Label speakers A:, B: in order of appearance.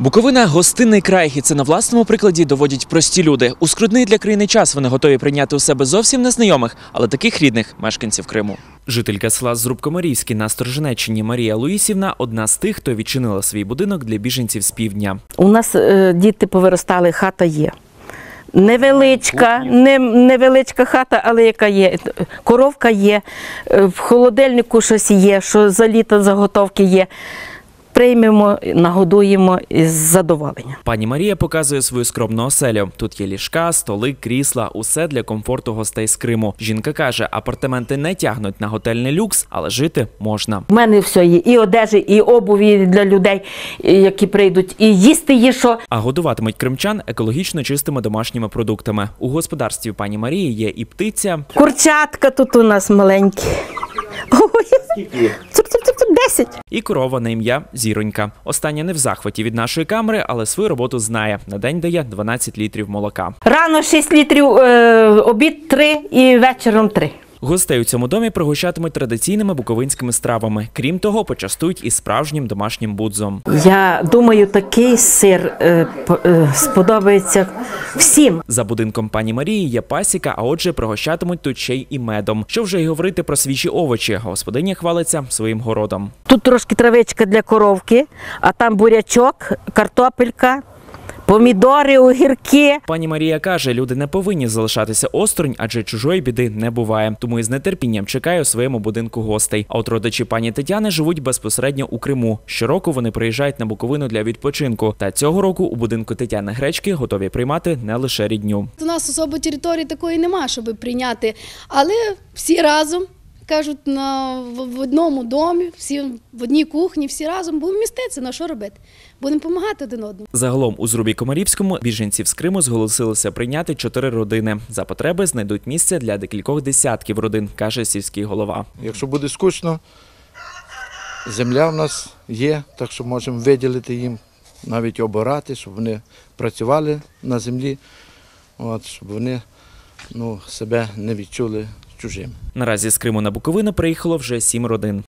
A: Буковина – гостинний край, і це на власному прикладі доводять прості люди. У скрутний для країни час вони готові прийняти у себе зовсім незнайомих, але таких рідних мешканців Криму. Жителька села Зрубкомарівське на Сторожинеччині Марія Луїсівна – одна з тих, хто відчинила свій будинок для біженців з півдня.
B: У нас діти повиростали, хата є. Невеличка хата, але яка є. Коровка є, в холодильнику щось є, що за літо заготовки є. Приймемо, нагодуємо із задоволенням.
A: Пані Марія показує свою скромну оселю. Тут є ліжка, столи, крісла – усе для комфорту гостей з Криму. Жінка каже, апартаменти не тягнуть на готельний люкс, але жити можна.
B: У мене все є. І одежі, і обуві для людей, які прийдуть, і їсти є що.
A: А годуватимуть кримчан екологічно чистими домашніми продуктами. У господарстві пані Марії є і птиця.
B: Курчатка тут у нас маленькі. Ой, 10.
A: І корова на ім'я Зіронька. Остання не в захваті від нашої камери, але свою роботу знає. На день дає 12 літрів молока.
B: Рано 6 літрів, обід 3 і вечором 3.
A: Гостей у цьому домі пригощатимуть традиційними буковинськими стравами. Крім того, почастують і справжнім домашнім будзом.
B: Я думаю, такий сир сподобається всім.
A: За будинком пані Марії є пасіка, а отже пригощатимуть тут ще й і медом. Що вже й говорити про свіжі овочі. Господиня хвалиться своїм городом.
B: Тут трошки травичка для коровки, а там бурячок, картопелька, помідори, огірки.
A: Пані Марія каже, люди не повинні залишатися осторонь, адже чужої біди не буває. Тому із нетерпінням чекає у своєму будинку гостей. А от родичі пані Тетяни живуть безпосередньо у Криму. Щороку вони приїжджають на Буковину для відпочинку. Та цього року у будинку Тетяни Гречки готові приймати не лише рідню.
C: У нас особо території такої нема, щоб прийняти, але всі разом, кажуть, в одному домі, всі в одній кухні, всі разом будемо міститися, на що робити? Будемо допомагати один одному.
A: Загалом у Зрубі-Комарівському біженців з Криму зголосилися прийняти 4 родини. За потреби знайдуть місце для декількох десятків родин, каже сільський голова.
D: Якщо буде скучно, земля в нас є, так що можемо виділити їм, навіть обирати, щоб вони працювали на землі, щоб вони себе не відчули чужим.
A: Наразі з Криму на Буковину приїхало вже 7 родин.